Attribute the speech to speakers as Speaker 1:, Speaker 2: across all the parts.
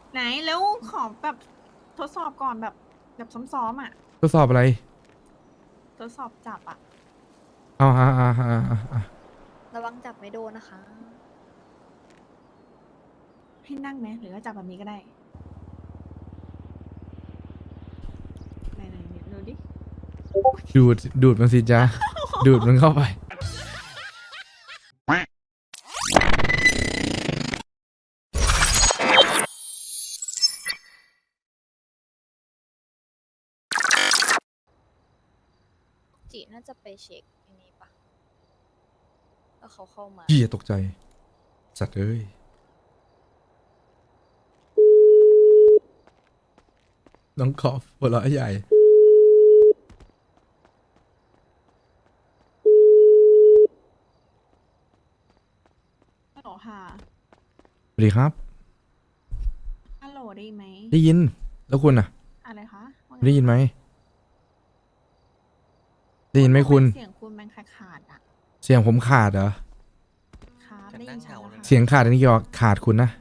Speaker 1: ไหนแล้วขอแบบทดสอบก่อนแบบซ้อมๆอ่ะ
Speaker 2: ทดสอบอะไร
Speaker 1: ทดสอบจับอ่ะ
Speaker 2: เอา
Speaker 3: ระวังจับไม่โดนนะคะ
Speaker 1: ให้นั่งไหมหรือว่าจับแบบนี้ก็ได้ไหนดูดิ
Speaker 2: ดูดมันสิจ้าดูดมันเข้าไป
Speaker 3: จีน่าจะไปเช็คอันนี้ปะแล้วเขาเข้ามา
Speaker 2: เหี้ยตกใจสัตว์เอ้ยน้องขอบหัวเราะใหญ่
Speaker 1: ฮัลโหลค่ะ
Speaker 2: สวัสดีครับ
Speaker 1: ฮัลโหลได้ไหม
Speaker 2: ได้ยินแล้วคุณอ่ะ
Speaker 1: อะไรคะว่าไง
Speaker 2: ได้ยินไหมได้ยินไหมคุณ
Speaker 1: เสียงคุณมันขาดอ่ะ
Speaker 2: เสียงผมขาดเหรอ
Speaker 1: ครับได้ยินชัดแล้วค่ะ
Speaker 2: เสียงขาดอันนี้เกี่ยวกับขาดคุณนะ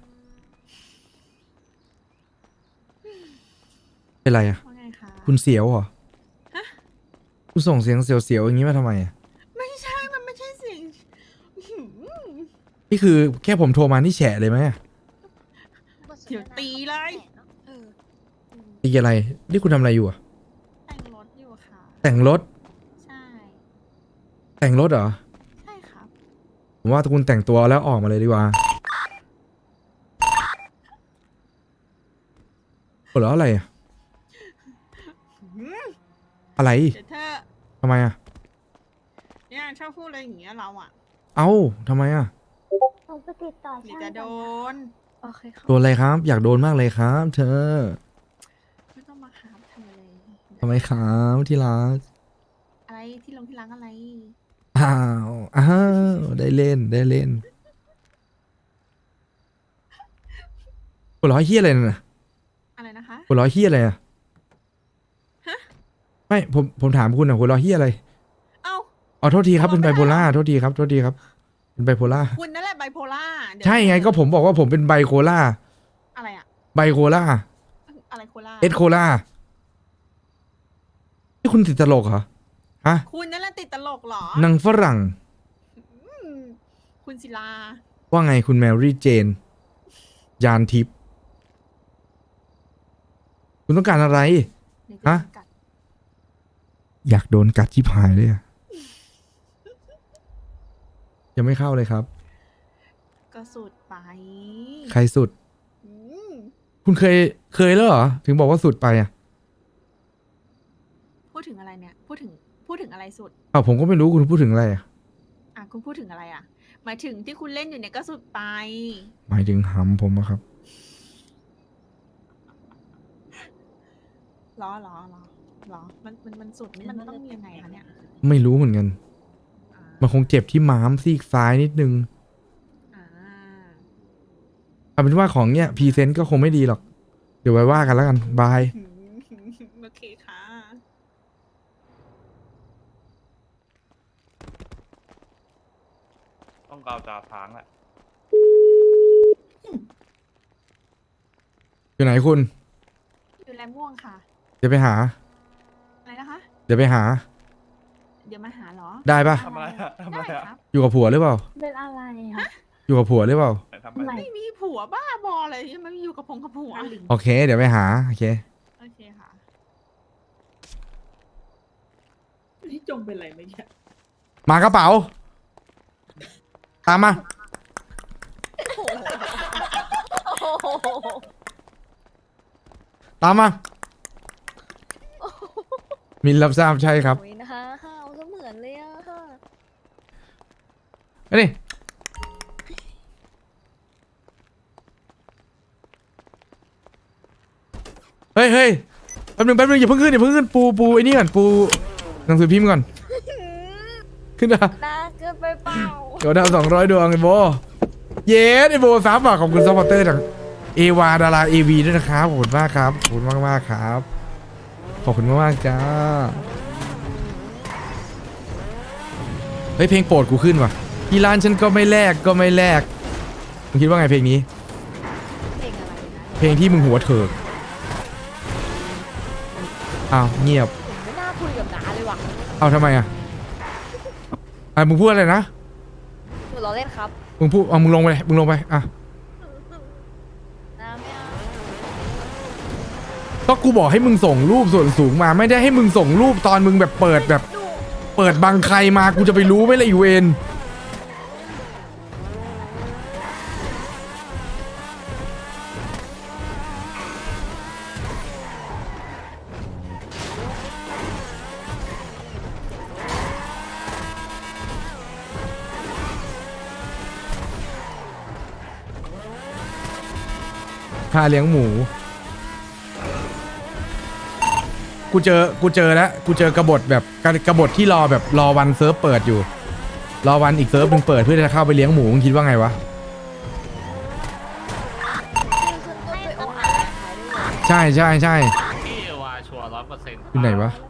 Speaker 2: เป็นไรอ่ะ
Speaker 1: ว่าไงคะ
Speaker 2: คุณเสียวเหรอคุณส่งเสียงเสียวๆอย่างนี้มาทำไมอ่ะ
Speaker 1: ไม่ใช่มันไม่ใช่เสียงอื้อหือ
Speaker 2: นี่คือแค่ผมโทรมานี่แฉะเลยไหมอะ
Speaker 1: เดี๋ยวตีเลย
Speaker 3: เออ
Speaker 2: ตีอะไรนี่คุณทำอะไรอยู่อ่ะ
Speaker 1: แต่งรถอยู่ค่ะ
Speaker 2: แต่งรถ
Speaker 1: ใช่
Speaker 2: แต่งรถเหรอ
Speaker 1: ใช่ครับ
Speaker 2: ผมว่าถ้าคุณแต่งตัวแล้วออกมาเลยดีกว่าหัวเราะอะไรอะ
Speaker 1: อื้อ
Speaker 2: อะไร
Speaker 1: เดี๋ยวเธอ
Speaker 2: ทำไมอ่ะ
Speaker 1: เนี่ยชอบพูดอะไรอย่างเงี้ยเราอ่ะ
Speaker 2: เอ้าทำไมอ่ะ
Speaker 4: หนูไปติดต่อ
Speaker 1: เดี๋ยว
Speaker 4: ช่าง
Speaker 1: จะโด
Speaker 4: ก่อนนะ
Speaker 1: น
Speaker 3: โอเคค่ะ
Speaker 2: โดนอะไรครับ อยากโดนมากเลยครับ เธอ
Speaker 1: ไม่ต้องมาหาทำอะไร
Speaker 2: ทำไมครับที่รัก
Speaker 1: อะไรที่ลงที่ล้างอะไร
Speaker 2: อ้าวได้เล่นได้เล่นหัวเราะเฮี้ยอะไรน่ะ
Speaker 1: อะไรนะคะ
Speaker 2: หัวเราะเฮี้ยอะไรอ่ะ
Speaker 1: ฮะ
Speaker 2: ไม่ผมถามคุณอ่ะหัวเราะเฮี้ยอะไร
Speaker 1: เอ้า
Speaker 2: อ๋อโทษทีครับ
Speaker 1: หัว
Speaker 2: เป็น
Speaker 1: เราะ
Speaker 2: ไบ
Speaker 1: ไม่
Speaker 2: โพ
Speaker 1: ได้
Speaker 2: ล่า
Speaker 1: เหรอ
Speaker 2: โทษทีครับโทษทีครับเป็นไบโพล่า
Speaker 1: คุณนั่นแหละไบโพล่าเดี๋ยว
Speaker 2: ใช่ไงก็ผมบอกว่าผมเป็นไบโคล่า
Speaker 1: อะไรอะ
Speaker 2: ไบโคล่า
Speaker 1: อะไรโคล่า
Speaker 2: เอสโคล่านี่คุณติดตลกเหรอฮะ
Speaker 1: คุณนั่นแหละติดตลกเหรอ
Speaker 2: หนังฝรั่ง
Speaker 1: อืมคุณศิลา
Speaker 2: ว่าไงคุณแมรี่เจน ยานทิพย์คุณต้องการอะไร
Speaker 1: เดี๋ยวจะ
Speaker 2: ฮะ
Speaker 1: โดนกัด
Speaker 2: อยากโดนกัดชิบหายเลยอะยังไม่เข้าเลยครับ
Speaker 1: ก็สุดไป
Speaker 2: ใครสุด
Speaker 1: อืม
Speaker 2: คุณเคยแล้วเหรอ ถึงบอกว่าสุดไปอ่ะ
Speaker 1: พูดถึงอะไรเนี่ย พูดถึงอะไรสุด
Speaker 2: อ้าวผมก็ไม่รู้คุณพูดถึงอะไรอ่ะ
Speaker 1: อ่ะคุณพูดถึงอะไรอะหมายถึงที่คุณเล่นอยู่เนี่ยก็สุดไป
Speaker 2: หมายถึงหำผมอะครับ
Speaker 1: หรอมันสุดนี่มันต้องมียังไงคะเนี่ย
Speaker 2: ไม่รู้เหมือนกัน
Speaker 1: อ่า
Speaker 2: มันคงเจ็บที่ม้ามซีกซ้ายนิดนึง
Speaker 1: อ่า
Speaker 2: เอาเป็นว่าของเนี้ยพรีเซนต์ก็คงไม่ดีหรอก เดี๋ยวไว้ว่ากันแล้วกัน บาย
Speaker 1: โอเคค่ะ
Speaker 5: ต้องกาวจ่าทางแหละ
Speaker 2: อยู่ไหนคุณ
Speaker 1: อยู่แลม่วงค่ะ
Speaker 2: เดี๋ยวไปหา
Speaker 1: อะไรนะคะ
Speaker 2: เดี๋ยวไปหา
Speaker 1: เดี๋ยวมาหาเหรอ
Speaker 2: ได้ปะ
Speaker 5: ทำอะไรอะทำอะไร
Speaker 1: ได้
Speaker 5: อะ
Speaker 1: ครับ
Speaker 2: อยู่กับผัวหรือเปล่า
Speaker 4: เป็นอะไรคะ
Speaker 2: อยู่กับผัวหรือเปล่า
Speaker 5: ทำอะไร
Speaker 1: ไม่มีผัวบ้าบออะไรที่มันอยู่กับพงกับผัว
Speaker 2: โอเค เดี๋ยวไปหา โอเค
Speaker 1: โอเคค่ะนี่จงเป็นไรไหมเนี่ย
Speaker 2: มากระเป๋า ตามมา ตามมา มินรับทราบใช่ครับ
Speaker 3: โอ้ยนะคะห้าวก็เหมือนเลยอะค่ะ
Speaker 2: เอ้ยเฮ้ยแป๊บนึงอย่าเพิ่งขึ้นปูไอ้นี่ก่อนปูหนังสือพิมพ์ก่อน ขึ้นนะ
Speaker 3: น่าเกินไปเปล่า
Speaker 2: เดี๋ยวดาว200 ดวงไอ้โบ เย้ไอ้โบซับอ่ะขอบคุณซัพพอร์เตอร์จากเอวาดาราเอวีด้วยนะครับขอบคุณมากครับขอบคุณมากครับ ขอบคุณมากจ้า เฮ้ยเพลงโปรดกูขึ้นว่ะที่ร้านฉันก็ไม่แลกมึงคิดว่าไงเพลงนี้
Speaker 3: เพลงอะไรนะ
Speaker 2: เพลงที่มึงหัวเถิกอ้าวเงียบ
Speaker 3: ผมไม่น่าคุยกับน้าเลยว่ะ
Speaker 2: เอาทำไมอ่ะมึงพูดอะไรนะ
Speaker 3: หนูล้อเล่นครับ
Speaker 2: มึงพูดมึงลงไปเลยมึงลงไปอ่ะ
Speaker 3: น้าไม่เอา
Speaker 2: ก็กูบอกให้มึงส่งรูปส่วนสูงมาไม่ได้ให้มึงส่งรูปตอนมึงแบบเปิดแบบ
Speaker 3: หนู
Speaker 2: เปิดบังใครมากูจะไปรู้ไหมล่ะอีเวนค่าเลี้ยงหมูกูเจอแล้วกูเจอกบฏแบบกบฏที่รอแบบรอวันเซิร์ฟเปิดอยู่รอวันอีกเซิร์ฟหนึ่งเปิดเพื่อจะเข้าไปเลี้ยงหมูมึงคิดว่าไงวะ
Speaker 3: ขึ้นต้นด้วยโออาร์ขายได้เลย
Speaker 2: ใช่ใช่ใช่
Speaker 5: พี่เอวาชัวร์100%
Speaker 2: อยู่ไหนวะ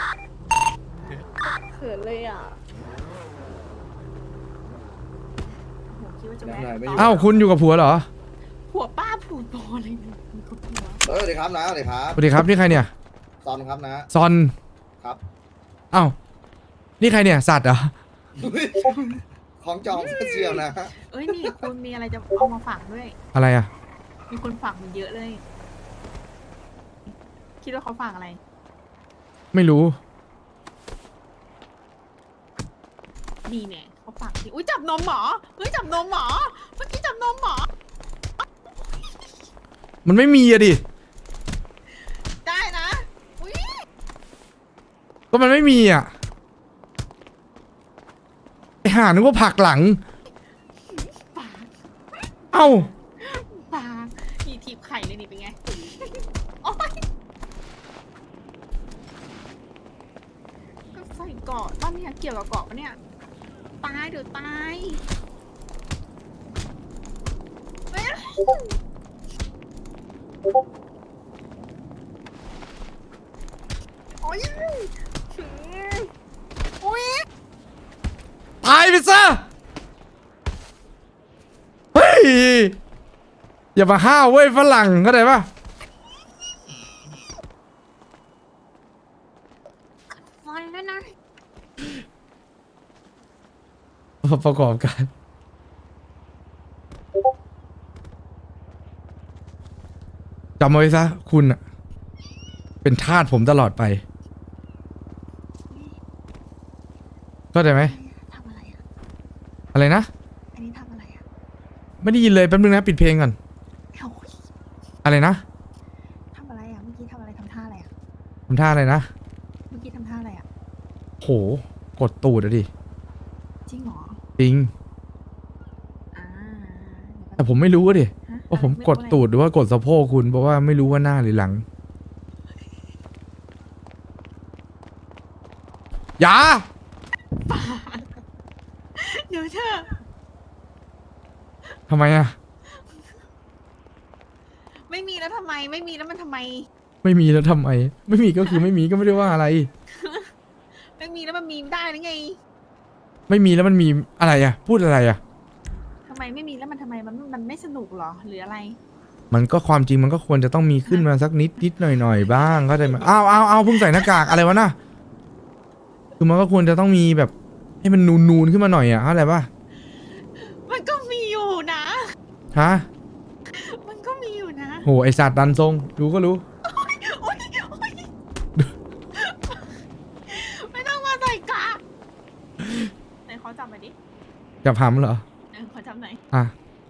Speaker 3: เขินเลยอ่ะ
Speaker 1: โหคิดว่าจะแวะ
Speaker 2: อ้าวคุณอยู่กับผัวเหรอ
Speaker 1: ผัวป้าผัวบออะไรเนี่ยมีกับผัว
Speaker 6: สวัสดีครับนะสวัสดีครับ
Speaker 2: สวัสดีครับนี่ใครเนี่ย
Speaker 6: ซอนครับนะ
Speaker 2: ซอน
Speaker 6: ครับ
Speaker 2: อ้าวนี่ใครเนี่ยสัตว์เหรอ
Speaker 6: ของจองเชียวนะ
Speaker 1: เอ้ยนี่คุณมีอะไรจะเอามาฝากด้วย
Speaker 2: อะไรอ่ะ
Speaker 1: มีคนฝากมันเยอะเลย คิดว่าเขาฝากอะไร
Speaker 2: ไม่รู้
Speaker 1: ดีเนี่ยเขาฝากที่อุ้ยจับนมหมอเฮ้ยจับนมหมอเมื่อกี้จับนมหมอ
Speaker 2: มันไม่มีอะดิ
Speaker 1: ได้นะอุ้ย
Speaker 2: ก็มันไม่มีอ่ะไอห่านึกว่าผลักหลัง
Speaker 1: ปาก
Speaker 2: เอ้า
Speaker 1: ปากมีทีบไข่เลยนี่เป็นไงโอ๊ยก็ใส่เกาะบ้านเนี่ยเกี่ยวกับเกาะปะเนี่ยตายเดี๋ยวตายเฮ้ยโอ๊ยโอ๊ย
Speaker 2: ตายไปซะ เฮ้ย อย่ามาห้าวเว้ยฝรั่งเข้าใจปะ
Speaker 1: ฟันแล้วนะ
Speaker 2: ประกอบการจำเอาไว้ซะคุณอะเป็นทาสผมตลอดไปเข้าใจไหม
Speaker 1: ทำอะไรอ่ะ
Speaker 2: อะไรนะ
Speaker 1: อันนี้ทำอะไรอ่ะ
Speaker 2: ไม่ได้ยินเลยแป๊บนึงนะปิดเพลงก่อน
Speaker 1: โอ้ย
Speaker 2: อะไรนะ
Speaker 1: ทำอะไรอ่ะ เมื่อกี้ทำอะไรทำท่าอะไรอ่ะ
Speaker 2: ทำท่าอะไรนะ
Speaker 1: เมื่อกี้ทำท่าอะไรอ่ะ
Speaker 2: โหกดตูดอะดิ
Speaker 1: จริงเหรอ
Speaker 2: จริง
Speaker 1: อ่า
Speaker 2: แต่ผมไม่รู้อะดิ
Speaker 1: ฮะ
Speaker 2: ว่าผม
Speaker 1: อะไร
Speaker 2: กดตูดหรือว่ากดสะโพกคุณเพราะว่าไม่รู้ว่าหน้าหรือหลังอย่า
Speaker 1: เดี๋ยวเธอ
Speaker 2: ทำไมอะ
Speaker 1: ไม่มีแล้วทำไม ไม่มีแล้วมันทำไม
Speaker 2: ไม่มีแล้วทำไม ไม่มีก็คือไม่มีก็ไม่ได้ว่าอะไร
Speaker 1: ไม่มีแล้วมันมีได้หรือไง
Speaker 2: ไม่มีแล้วมันมีอะไรอะพูดอะไรอะ
Speaker 1: ทำไมไม่มีแล้วมันทำไมมันไม่สนุกเหรอ หรืออะไร
Speaker 2: มันก็ความจริงมันก็ควรจะต้องมีขึ้นมาสักนิดหน่อยบ้างก็ได้ไหมอ้าวเพิ่งใส่หน้ากากอะไรวะน่ะคือมันก็ควรจะต้องมีแบบให้มันนูนขึ้นมาหน่อยอะเข้าใจปะ
Speaker 1: มันก็มีอยู่นะ
Speaker 2: ฮะ
Speaker 1: มันก็มีอยู่นะ
Speaker 2: โหไอสัตว์ดันทรงรู้ก็รู้
Speaker 1: โอ๊ยโอ๊ยไม่ต้องมาใส่กะไหนขอจับหน่อยดิ
Speaker 2: จะพำเหรอ
Speaker 1: ขอจับหน่อย
Speaker 2: อ่ะ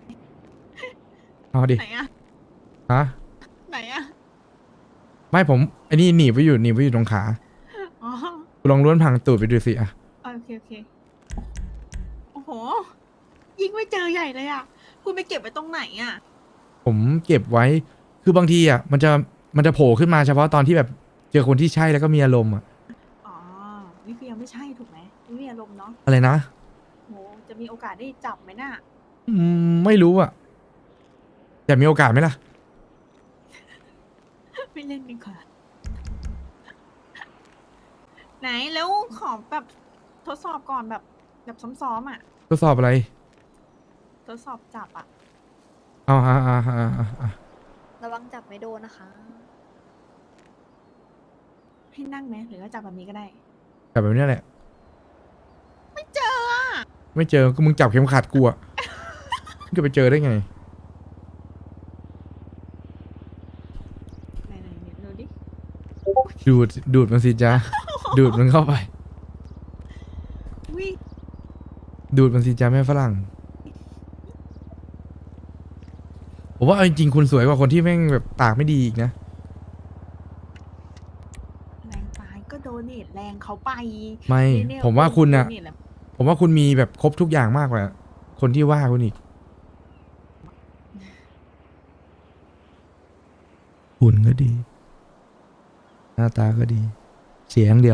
Speaker 2: เอาดิ
Speaker 1: ไหนอะ
Speaker 2: ฮะ
Speaker 1: ไหนอะ
Speaker 2: ไม่ผมไอ้นี่หนีบไว้อยู่ตรงขา
Speaker 1: อ๋อ
Speaker 2: กูลองล้วนพังตูดไปดูสิอะ
Speaker 1: โอเคโอเค โอ้โห ยิงไม่เจอใหญ่เลยอะคุณไปเก็บไว้ตรงไหนอะ
Speaker 2: ผมเก็บไว้คือบางทีอะมันจะโผล่ขึ้นมาเฉพาะตอนที่แบบเจอคนที่ใช่แล้วก็มีอารมณ์อะ
Speaker 1: อ๋อ นี่คือยังไม่ใช่ถูกไหมไม่มีอารมณ์เนาะ
Speaker 2: อะไรนะ
Speaker 1: โห จะมีโอกาสได้จับไหมน่ะ
Speaker 2: ไม่รู้อะแต่มีโอกาสไหมล่ะ
Speaker 1: ไม่เล่นดีกว่า ไหนแล้วขอแบบทดสอบก่อนแบบซ้อมๆอ่ะ
Speaker 2: ทดสอบอะไร
Speaker 1: ทดสอบจับอ่ะ
Speaker 2: เอา
Speaker 3: ระวังจับไม่โดนนะคะ
Speaker 1: ให้นั่งไหมหรือว่าจับแบบนี้ก็ได้
Speaker 2: จับแบบนี้แหละ
Speaker 1: ไม่เจออ่ะ
Speaker 2: ไม่เจอก็มึงจับเข็มขัดกูอะมึงจะไปเจอได้ไง
Speaker 1: ไหนๆดูดิ
Speaker 2: ดูดมันสิจ้าดูดมันเข้าไป
Speaker 1: วิ
Speaker 2: ดูดมันสิจ้าแม่ฝรั่งผมว่าเอาจริงๆคุณสวยกว่าคนที่แม่งแบบปากไม่ดีอีกนะ
Speaker 1: แรงไปก็โดเนทแรงเขาไป
Speaker 2: ไม่
Speaker 1: เนี่ย
Speaker 2: ผมว่าคุณอะ
Speaker 1: โดเทแหล
Speaker 2: ผมว่าคุณมีแบบครบทุกอย่างมากกว่า คนที่ว่าคุณอีกหุ่นก็ดี หน้าตาก็ดี เสียงเดียว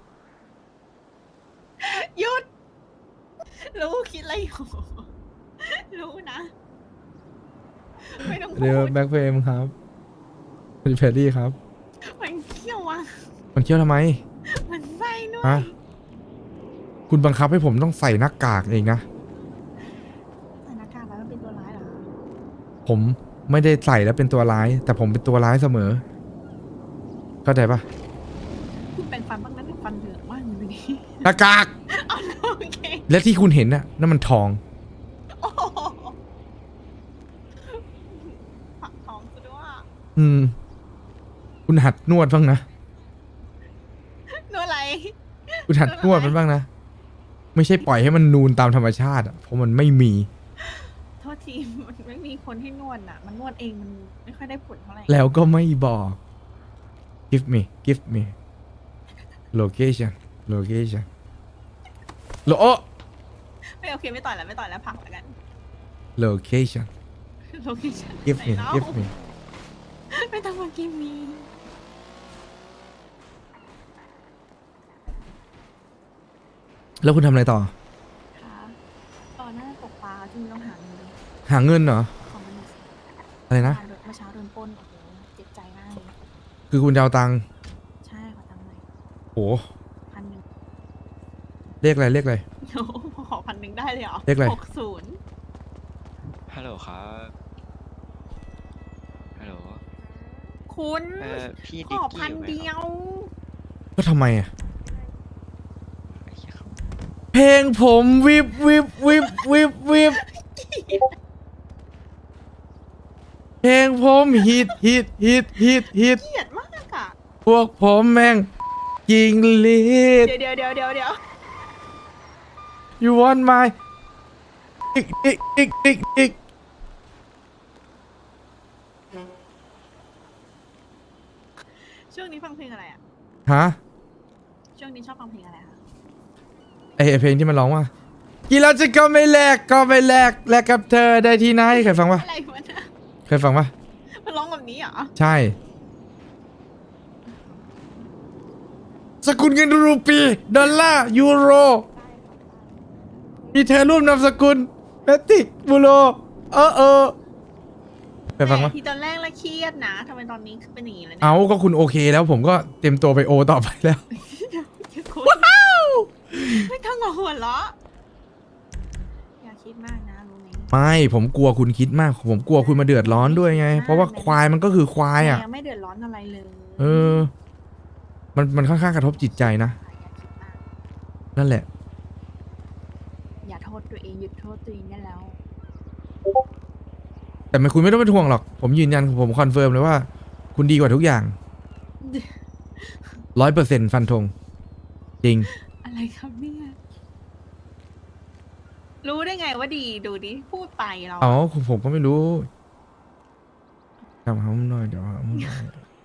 Speaker 1: หยุด รู้คิดอะไรอยู่ รู้นะ ไม่ต้องพู
Speaker 2: เดี๋ยว
Speaker 1: ด
Speaker 2: แบ็คเฟรมครับคุณแพรรี่ครับ
Speaker 1: มันเขี้ยวอ่ะ
Speaker 2: มันเคี้ยวทำไม
Speaker 1: มันไส้ด้วย
Speaker 2: ฮะ คุณบังคับให้ผมต้องใส่หน้ากากเองนะ
Speaker 1: ใส่หน้ากากแล้วมันเป็นตัวร้ายเหรอคะ
Speaker 2: ผมไม่ได้ใส่แล้วเป็นตัวร้าย แต่ผมเป็นตัวร้ายเสมอ เข้าใจปะ
Speaker 1: คุณแปรงฟันบ้างนะเนี่ยฟันเหลืองมากเลยวันนี้
Speaker 2: หน้ากาก
Speaker 1: เอาโอเค
Speaker 2: และที่คุณเห็นน่ะนั่นมันทอง
Speaker 1: โอ้โหผักทองซะด้วย
Speaker 2: อืม คุณหัดนวดบ้างนะ
Speaker 1: นู่นอะไร
Speaker 2: คุณหัดนวดมันบ้างนะ ไม่ใช่ปล่อยให้มันนูนตามธรรมชาติอ่ะ เพราะมันไม่มี
Speaker 1: โทษทีมันไม่มีคนให้นวดอ่ะ มันนวดเองมันไม่ค่อยได้ผลเท่าไหร่
Speaker 2: แล้วก็ไม่บอก give me location โล
Speaker 1: ไม่โอเคไม่ต่อยแล้วไม่ต่อยแล้วพักแล้วกัน
Speaker 2: location
Speaker 1: โลเคชั่น
Speaker 2: give me give me
Speaker 1: ไม่ต้องมากินมี
Speaker 2: แล้วคุณทำอะไรต่อ
Speaker 1: ค่ะตอนน่าจะตกปลาที่มีต้องหาเงินเลย
Speaker 2: หาเงินเหรอ
Speaker 1: ของมันหนึ่งสิ
Speaker 2: อะไรนะ
Speaker 1: เมื่อเช้าโดนปล้นโอ้โหเจ็บใจมากเลย
Speaker 2: คือคุณจะเอาตังค์
Speaker 1: ใช่ขอตังค์หน่อย
Speaker 2: โห
Speaker 1: 1,000
Speaker 2: เรียกอะไร
Speaker 1: โอ้โหขอ1,000ได้เลยเหรอ
Speaker 2: เลขอะไร
Speaker 1: 60
Speaker 7: ฮัลโหลครับ ฮัลโหล
Speaker 1: คุณ
Speaker 7: พี่
Speaker 1: ข
Speaker 7: ดิก
Speaker 1: อ
Speaker 7: กี้
Speaker 1: พัน
Speaker 7: อยู่ไหม
Speaker 1: เดี
Speaker 7: ค
Speaker 1: ย
Speaker 7: รับ
Speaker 1: ว
Speaker 2: ก็ทำไมอ่ะ
Speaker 7: ไอ้เหี้ยครับ
Speaker 2: เพลงผมวิบเพลงผมฮิต
Speaker 1: เกลียดมากอ่ะ
Speaker 2: พวกผมแม่งยิงลีด
Speaker 1: เดี๋ยว
Speaker 2: you want my อีก
Speaker 1: ช่วงนี้ฟังเพลงอะไรอ่ะ
Speaker 2: ฮะ
Speaker 1: ช่วงนี้ชอบฟังเพลงอะไรคะ
Speaker 2: ไอเพลงที่มันร้องว่ากี่เราจะก็ไม่แลกกับเธอได้ที่ไหนเคยฟังปะ
Speaker 1: อะไรวะนะ
Speaker 2: เคยฟังปะ
Speaker 1: มันร้องแบบนี้เหรอ
Speaker 2: ใช่ สกุลเงินรูปีดอลลาร์ยูโรมีเธอร่วมนามสกุลแมติกบูโรเคยฟังปะ
Speaker 1: ที่ตอนแรกละเครียดนะทำไมตอนนี้เป็นอย่างนี้แล้วเนี่ย
Speaker 2: เอาก็คุณโอเคแล้วผมก็เตรียมตัวไปโอต่อไปแล้ว
Speaker 1: ว้าวไม่ต้องหัวเราะอย่าคิดมากนะรู้ไหม
Speaker 2: ไม่ผมกลัวคุณคิดมาก ผมกลัวคุณมาเดือดร้อนด้วยไง เพราะว่าควายมันก็คือควายอ่ะ
Speaker 1: ยังไม่เดือดร้อนอะไรเลย
Speaker 2: เออ มันค่อนข้างกระทบจิตใจนะ
Speaker 1: อย่าคิดมาก
Speaker 2: นั่นแหละ
Speaker 1: อย่าโทษตัวเองหยุดโทษตัวเองได้แล้ว
Speaker 2: แต่ไม่คุณไม่ต้องเป็นห่วงหรอก ผมยืนยันผมคอนเฟิร์มเลยว่า คุณดีกว่าทุกอย่าง 100%ฟันธงจริง
Speaker 1: อะไรครับเนี่ยรู้ได้ไงว่าดีดูดิพูดไปเรา
Speaker 2: อ๋อผมก็ไม่รู้ทำเขาหน่อยเดี๋ยวหาหน่อย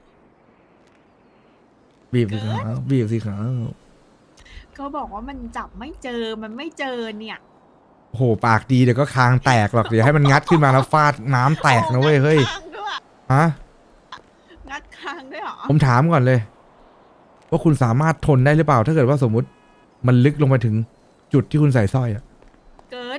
Speaker 2: บีบสิครับ
Speaker 1: ก็บอกว่ามันจับไม่เจอมันไม่เจอเนี่ย
Speaker 2: โอ้โหปากดีเดี๋ยวก็คางแตกหรอกเดี๋ยวให้มันงัดขึ้นมาแล้วฟาดน้ำแตกนะเว้ยเฮ้ย
Speaker 1: งัดคางด้วย
Speaker 2: ฮะ
Speaker 1: งัดคางด้วยเหรอ
Speaker 2: ผมถามก่อนเลย ว่าคุณสามารถทนได้หรือเปล่า ถ้าเกิดว่าสมมุติ มันลึกลงไปถึงจุดที่คุณใส่สร้อยอ่ะ
Speaker 1: เกิน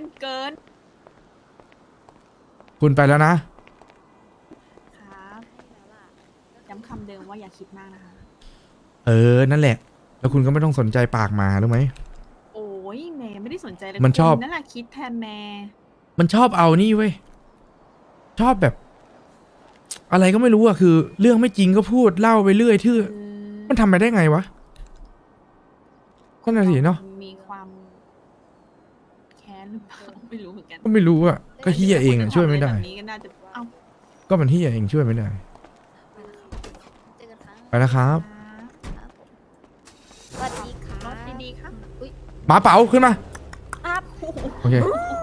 Speaker 2: คุณไปแล้วนะ
Speaker 1: ครับย้ำคำเดิมว่าอย่าคิดมากนะคะ
Speaker 2: เออ นั่นแหละ แล้วคุณก็ไม่ต้องสนใจปากหมารู้ไหม
Speaker 1: โอ้ยแม่ไม่ได้สนใจเลย
Speaker 2: มันชอบ
Speaker 1: คุณนั่นแหละคิดแทนแม่
Speaker 2: มันชอบเอานี่เว้ย ชอบแบบอะไรก็ไม่รู้อะคือ เรื่องไม่จริงก็พูดเล่าไปเรื่อยทื่อมันทำไปได้ไงวะนั่นน่ะสิเนาะ
Speaker 1: มีความแค้นหรือเปล่าไม่รู้เหมือนกัน
Speaker 2: ก็ไม่รู้อะก็เฮียเองอะช่วยไม่ได้
Speaker 1: แบบนี้ก็น่าจะเอ้า
Speaker 2: ก็มันเฮียเองช่วยไม่ได้
Speaker 3: เจอกันครับ
Speaker 2: ไปแล้วครับ
Speaker 3: ครับผมสวัสดีค่ะ
Speaker 1: รถดีๆครับ
Speaker 3: อุ้ย
Speaker 2: หมาเป๋าขึ้นมา
Speaker 3: ครับ
Speaker 2: โอเค
Speaker 1: โอ้โห